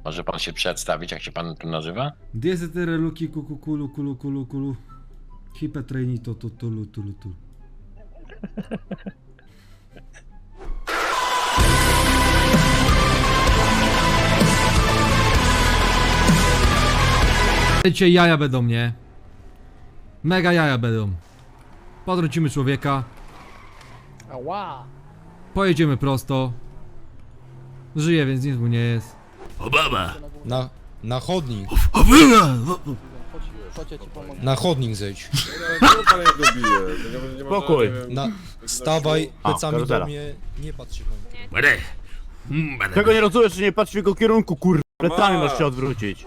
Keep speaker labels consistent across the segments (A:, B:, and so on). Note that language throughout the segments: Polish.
A: Może pan się przedstawić, jak się pan tu nazywa?
B: Diezetere luki kuku kulu kulu kulu kulu. Hipe treni to tulu tulu tulu. Dzisiaj jaja będą, nie? Mega jaja będą. Podrzucimy człowieka.
C: Ała!
B: Pojedziemy prosto. Żyje, więc nic mu nie jest.
D: Obama!
E: Na chodnik.
C: Chodź, ja ci pomogę.
E: Na chodnik zejdź.
D: Spokój.
E: Stawaj plecami do
D: karuzela.
E: mnie, nie patrz się po mnie.
D: Będę. Czego nie rozumiesz, że nie patrz w jego kierunku, kur... Plecami masz się odwrócić.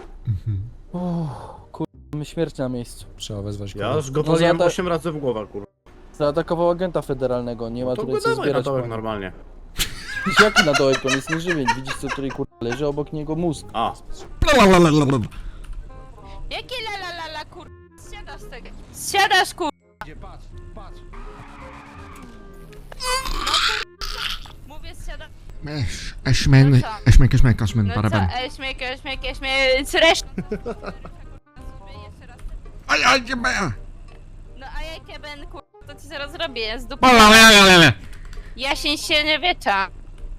C: Mamy śmierć na miejscu.
E: Trzeba wezwać
D: Ja
E: kogoś.
D: już go poznałem
C: No ja
D: 8 razy w głowę, kur...
C: Zaatakował agenta federalnego, nie ma
D: To
C: tutaj
D: go
C: co
D: dawaj na
C: zbierać.
D: dołek normalnie.
C: Jaki na dołek, on jest nieżywień. Widzisz co tutaj leży obok niego mózg.
D: A.
F: Jakie la la la la kur... Zsiadasz z tego. Zsiadasz kur... Mówię zsiadam.
B: Eśmen,
F: No co? Śmiek, zresztą. No a jak ja będę kur... to ci zaraz zrobię, z dupy. Jasień się nie wiecza.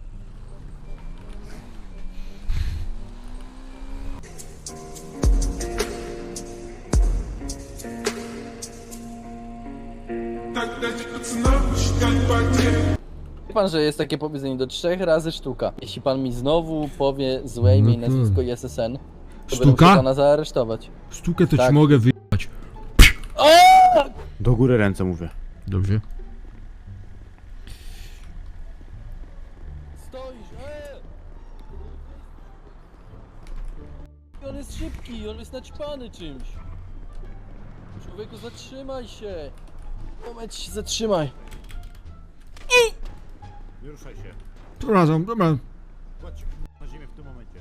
C: Wie pan, że jest takie powiedzenie do 3 razy sztuka. Jeśli pan mi znowu powie złe imię i
B: No to-
C: nazwisko i SSN, to
B: Sztuka?
C: będę musiał pana zaaresztować.
B: Sztukę to ci
C: Tak.
B: mogę wyjebać.
D: Do góry ręce mówię.
B: Dobrze.
C: Stoisz, On jest szybki, on jest naćpany czymś. Człowieku, zatrzymaj się. Moment się zatrzymaj.
D: Nie ruszaj się.
B: Przepraszam, dobra.
D: Kładź się na ziemię w tym momencie.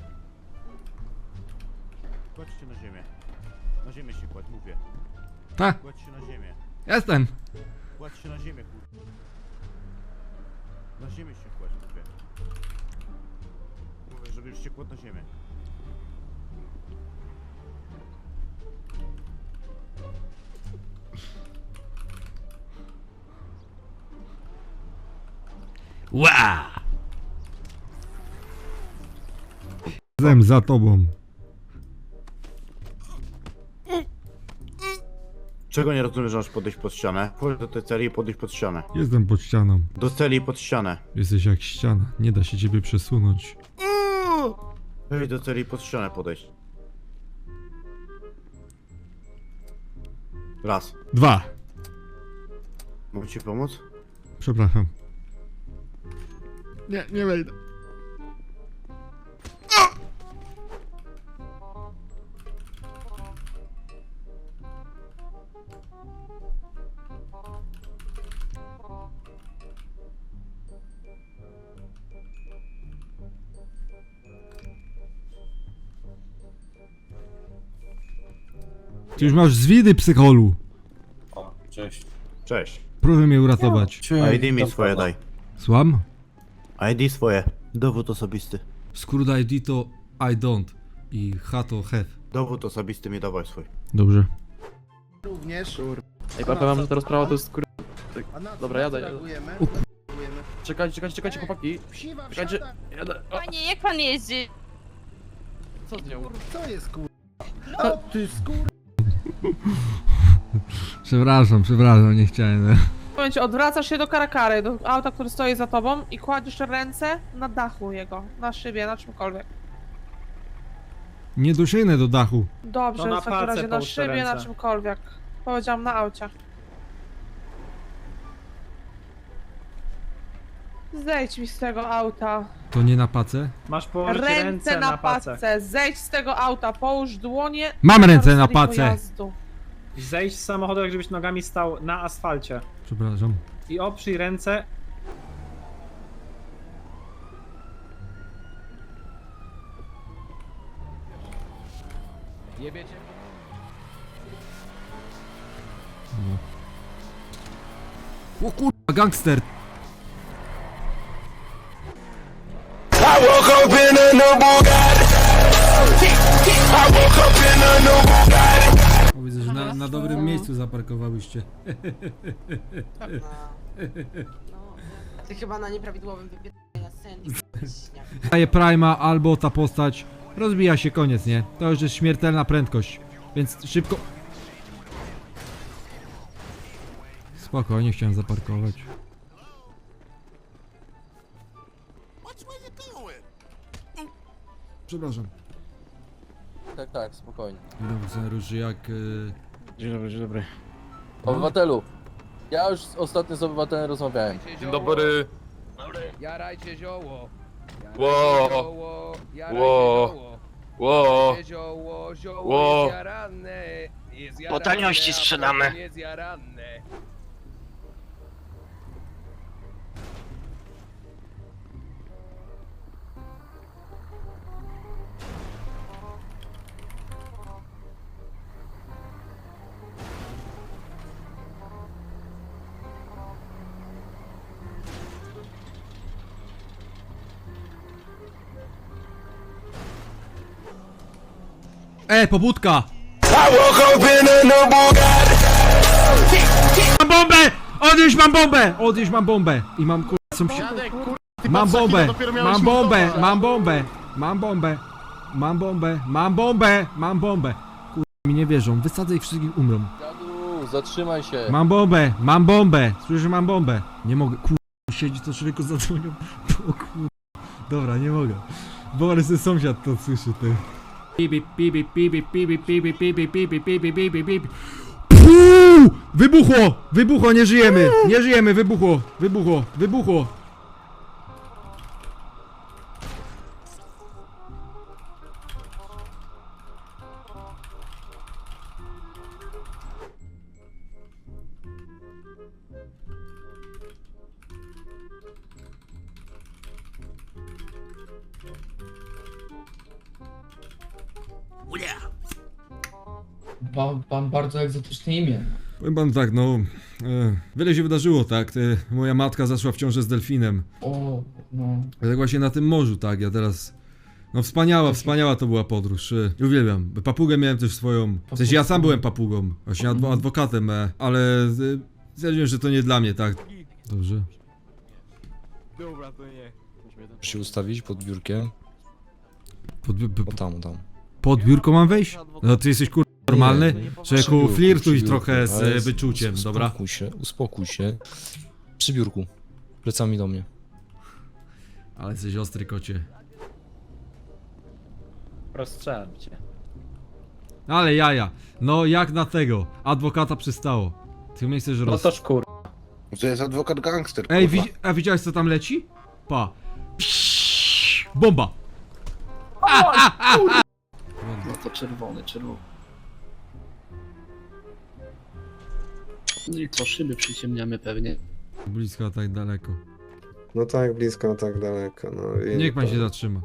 D: Kładź się na ziemię. Na ziemię się kładź, mówię.
B: Tak,
D: Kładź się na ziemię.
B: jestem.
D: Kładź się na ziemię, kur... Na ziemię się kładź, mówię. Mówię, żebyś się kładł na ziemię.
B: Ła! Jestem za tobą.
D: Czego nie rozumiesz, że masz podejść pod ścianę? Chodź do tej celi i podejść pod ścianę.
B: Jestem pod ścianą.
D: Do celi i pod ścianę.
B: Jesteś jak ściana. Nie da się ciebie przesunąć.
D: Wejdź do celi i pod ścianę podejść. Raz.
B: 2.
D: Mogę ci pomóc?
B: Przepraszam. Nie wejdę. Ty już masz zwidy, psycholu.
D: Cześć.
B: Proszę mnie uratować.
D: ID mi swoje daj.
B: Słucham?
D: ID swoje. Dowód osobisty.
B: Skrót ID to I don't i H to have.
D: Dowód osobisty mi dawaj swój.
B: Dobrze.
C: Ej, powiem, że ta rozprawa to jest Dobra, jadę.
B: O
C: Czekajcie, chłopaki. Czekajcie, jadę.
F: Panie, jak pan jeździ?
C: Co z nią?
B: Przepraszam, nie chciałem.
G: W tym momencie odwracasz się do karakary, do auta, który stoi za tobą i kładziesz ręce na dachu jego, na szybie, na czymkolwiek.
B: Nie dosięgnę do dachu.
G: Dobrze,
H: No na
G: w takim
H: palce
G: razie na
H: połóż te
G: szybie, na
H: ręce.
G: czymkolwiek. Powiedziałam na aucie. Zejdź mi z tego auta.
B: To nie na pacę?
H: Masz położyć
G: Ręce na
H: pacę.
G: pace. Zejdź z tego auta, połóż dłonie.
B: Mam ręce na
G: karoserii
B: pace.
G: pojazdu.
H: Zejść z samochodu, jak żebyś nogami stał na asfalcie.
B: Przepraszam.
H: I oprzyj ręce.
B: O kurwa, gangster.
I: I woke up in a new Bugatti.
B: miejscu zaparkowałyście.
I: Ty chyba na nieprawidłowym wypierdoleniu Sandy.
B: Daje Prima albo ta postać rozbija się, koniec, nie? To już jest śmiertelna prędkość, więc szybko. Spokojnie, chciałem zaparkować. Przepraszam.
C: Tak, spokojnie.
B: Dobrze, Róży, jak...
D: Dzień dobry, dzień dobry.
C: Obywatelu, ja już ostatnio z obywatelem rozmawiałem.
J: Dzień dobry.
K: Jarajcie zioło.
J: Ło. Ło.
K: Zioło,
J: Ło.
K: jest jarane. Jest jarane,
A: Po taniości
K: a
A: sprzedamy.
K: potem jest jarane.
B: pobudka! Mam bombę! Odnieś mam bombę! Odnieś mam bombę! I mam
D: Dziadek, ty
B: Mam
D: patrz, jak
B: bombę!
D: ja dopiero miałem
B: Mam
D: się
B: bombę!
D: wdostać.
B: Mam bombę! Mam bombę! Mam bombę! Mam bombę! Mam bombę! Mi nie wierzą, wysadzę ich wszystkich, umrą.
C: Dziadu, zatrzymaj się.
B: Mam bombę! Mam bombę! Słyszę, że mam bombę! Nie mogę, siedzi to człowieku zadzwonią. O Dobra, nie mogę. Borys, ten sąsiad to słyszy, ty. Pipi, pipi, pipi, pipi, pipi, pipi, pipi, pipi, pipi, pipi. Puuu! Wybuchło! Wybuchło, nie żyjemy! Nie żyjemy, wybuchło! Wybuchło! Wybuchło!
K: Pan bardzo egzotyczne imię.
B: Powiem pan tak, no... wiele się wydarzyło, tak? Moja matka zaszła w ciążę z delfinem.
K: O, no.
B: Tak właśnie na tym morzu, tak, ja teraz... No wspaniała to była podróż, uwielbiam. Papugę miałem też swoją, w sensie ja sam byłem papugą, właśnie adwokatem, ale stwierdziłem, że to nie dla mnie, tak. Dobrze.
D: Dobra, to nie.
E: Muszę się ustawić pod biurkiem. O tam.
B: Pod biurko mam wejść? No ty jesteś normalny?
E: Przy
B: Człowieku,
E: biurku,
B: flirtuj
E: przy biurku,
B: trochę
E: ale
B: z wyczuciem, dobra?
E: Uspokój się. Przy biurku. Plecami do mnie.
B: Ale jesteś ostry, kocie.
H: Rozstrzelam cię.
B: Ale jaja, no jak na tego, adwokata przystało. Ty mnie chcesz
H: No to szkur.
J: To jest adwokat gangster,
B: Ej, a widziałeś co tam leci? Pa. Bomba!
K: No to czerwony. No i co, szyby przyciemniamy pewnie.
B: Blisko, a tak daleko.
J: No tak blisko, tak daleko. No i
B: Niech pan się zatrzyma.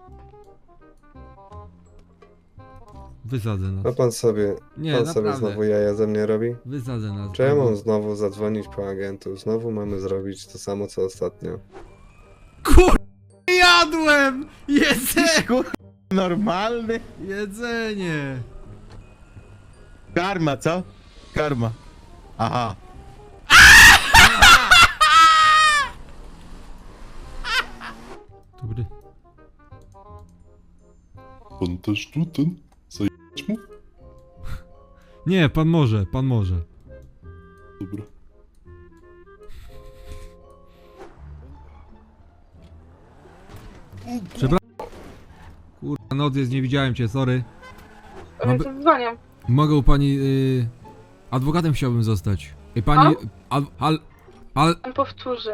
B: Wysadzę
J: A
B: nas.
J: pan sobie,
B: Nie,
J: pan sobie
B: naprawdę.
J: znowu jaja ze mnie robi?
B: Wysadzę nas.
J: Czy ja mam znowu zadzwonić po agentów? Znowu mamy zrobić to samo co ostatnio.
B: Jadłem! Jedzenie!
D: Normalny?
B: Jedzenie!
D: Karma, co? Karma. Aha.
B: Dobry.
J: Pan też tu ten? Zajebać mu?
B: Nie, pan może.
J: Dobra.
B: Kurwa, noc jest, nie widziałem cię, sorry.
G: Ale to dzwonię.
B: Mogę u pani... adwokatem chciałbym zostać. I pani...
G: On powtórzy.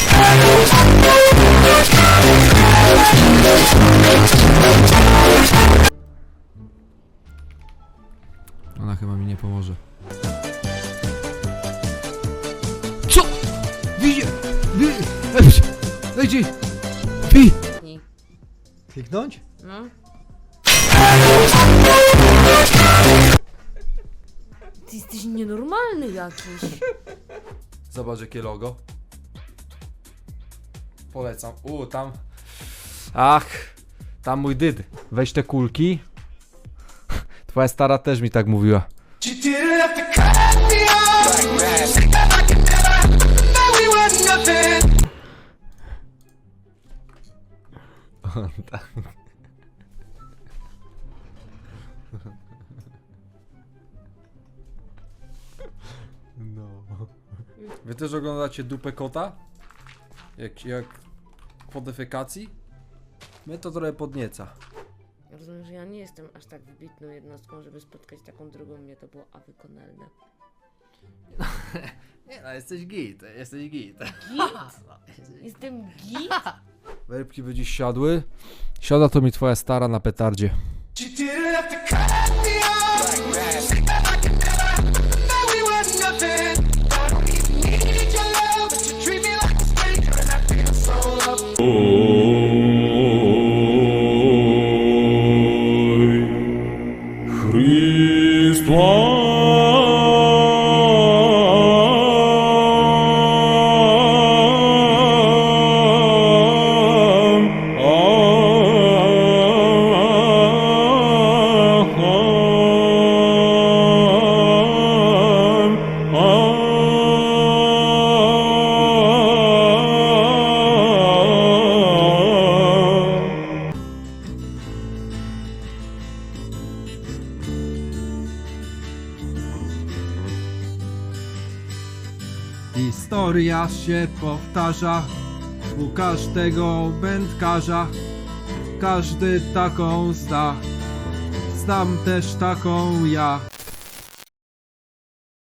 B: Ona chyba mi nie pomoże. Co? Widzi... Dajcie...
E: Kliknąć?
F: No. Ty jesteś nienormalny jakiś.
B: Zobacz jakie logo. Polecam. Tam... Ach, tam mój dyd. Weź te kulki. Twoja stara też mi tak mówiła. Tak. No. Wy też oglądacie dupę kota? Jak po defekacji? Mnie to trochę podnieca.
I: Rozumiem, że ja nie jestem aż tak wybitną jednostką, żeby spotkać taką drugą mnie, to było wykonalne.
B: Nie no, jesteś git, jesteś git.
I: Jestem git?
B: Werbki by dziś siadły. Siada to mi twoja stara na petardzie. Historia się powtarza u każdego wędkarza. Każdy taką zda. Znam też taką ja.